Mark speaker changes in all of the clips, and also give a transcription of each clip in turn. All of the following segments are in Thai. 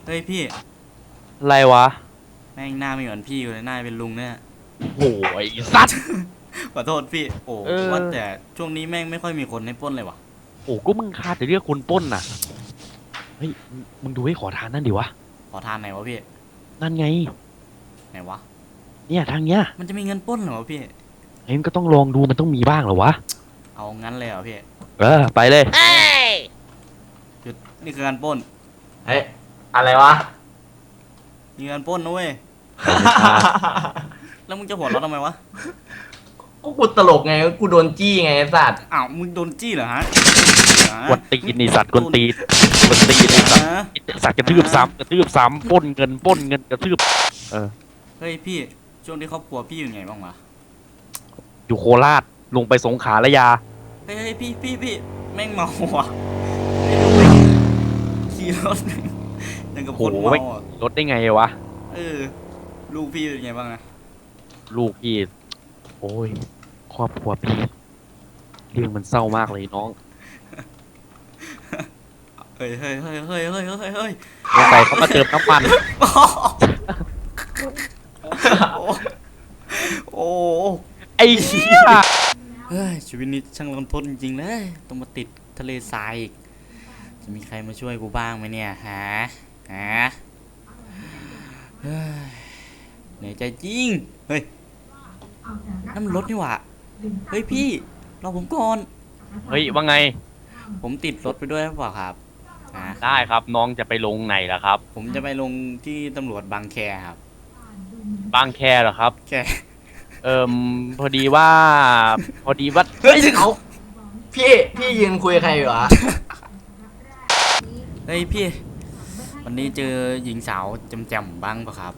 Speaker 1: เฮ้ยพี่
Speaker 2: อะไรวะ
Speaker 1: แม่งหน้าไม่เหมือนพี่อยู่เลยหน้าเป็นลุงเนี่ย
Speaker 2: โอ้ยสัตว์
Speaker 1: ขอโทษพี่โอ้ว่าแต่ช่วงนี้แม่งไม่ค่อยมีคนให้ปล้นเลยวะ
Speaker 2: โอ้ก็มึงคาดจะเรียกคนปล้นน่ะเฮ้ยมึงดูให้ขอทานนั่นดิวะ
Speaker 1: ขอทานไหนวะพี่
Speaker 2: นั่นไง
Speaker 1: ไหนวะ
Speaker 2: เนี่ยทางเนี้ย
Speaker 1: มันจะมีเงินปล้นเหรอพี่
Speaker 2: เฮ้ยมันก็ต้องลองดูมันต้องมีบ้างเหรอวะ
Speaker 1: เอางั้นเลยเหรอพี่
Speaker 2: ไปเลย
Speaker 1: หยุดนี่คือการปล้น
Speaker 3: เฮ้ยอะไรวะ
Speaker 1: มีการปล้นนะเว้ยแล้วมึงจะหัวเราะทำไมวะ
Speaker 3: ก็กูตลกไงกูโดนจี้ไงไอ้สัตว์
Speaker 1: อ้าวมึงโดนจี้เหรอฮะ
Speaker 2: กวนตีนนี่สัตว์กวนตีนกวนตีนนี่สัตว์สัตว์กระทืบซ้ำปล้นเงินกระทืบ
Speaker 1: เฮ้ยพี่ช่วงที่ครอบครัวพี่อยู่ไงบ้างวะ
Speaker 2: อยู่โคราชลงไปสงขลาระยา
Speaker 1: เฮ้ยพี่แม่งเมาว่ะขี่รถยังกับคนเมาอ่ะ
Speaker 2: รถได้ไงวะ
Speaker 1: ลูกพี่เป็นไงบ้างนะ
Speaker 2: ลูกพี่โอ้ยครอบครัวพี่เรื่องมันเศร้ามากเลยน้อง
Speaker 1: เฮ้ย
Speaker 2: สงสัยเขามาเติมน้ำมัน
Speaker 1: โอ้
Speaker 2: ไอ้เหี้ย
Speaker 1: เฮ้ยชีวิตนี้ช่างรันทดจริงๆเลยต้องมาติดทะเลทรายอีกจะมีใครมาช่วยกูบ้างไหมเนี่ยฮะเหนื่อยใจจริงเฮ้ยนั่นมันรถนี่หว่าเฮ้ยพี่รอผมก่อน
Speaker 2: เฮ้ยว่าไง
Speaker 1: ผมติดรถไปด้วยหรือเปล่าครับ
Speaker 2: ได้ครับน้องจะไปลงไหนล่ะครับ
Speaker 1: ผมจะไปลงที่ตำรวจบางแคครับ
Speaker 2: บางแคเหรอครับ
Speaker 1: แค
Speaker 2: พอดีว่า
Speaker 3: เฮ้ยเขาพี่ยืนคุยกับใครอยู่วะ
Speaker 1: เฮ้ยพี่วันนี้เจอหญิงสาวจำๆบ้างปะครับ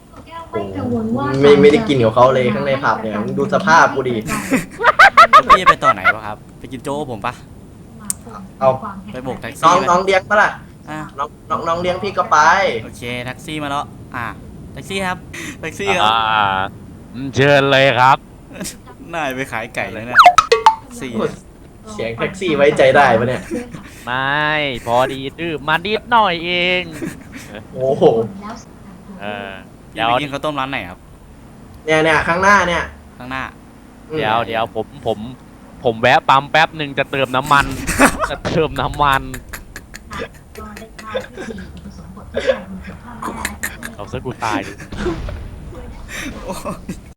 Speaker 3: ไม่ได้กินกับเขาเลยข้างในผับเนี่ยมึงดูสภาพกูดิ
Speaker 1: แล้วพี่ไปต่อไหนปะครับไปกินโจ้ผมปะ
Speaker 3: เอา
Speaker 1: ไปโบกแท็กซี่
Speaker 3: น้องเลี้ยงปะล่ะน้องเลี้ยงพี่ก็ไป
Speaker 1: โอเคแท็กซี่มาแล้วแท็กซี่ครับแท็กซี่ครับ
Speaker 2: เชิญเลยครับ
Speaker 1: น่าไปขายไก่เลยเนี่ย
Speaker 3: เสียงแท็กซี่ไว้ใจได้ปะเนี่ย
Speaker 2: ไม่พอดีดื้อมานิดหน่อยเอง
Speaker 3: โอ้โห
Speaker 1: เดี๋ยวกินข้าวต้มร้านไหนครับ
Speaker 3: เนี่ยข้างหน้าเนี่ย
Speaker 1: ข้างหน้า
Speaker 2: เดี๋ยวผมแวะปั๊มแป๊บหนึ่งจะเติมน้ำมันเอาซะกูตาย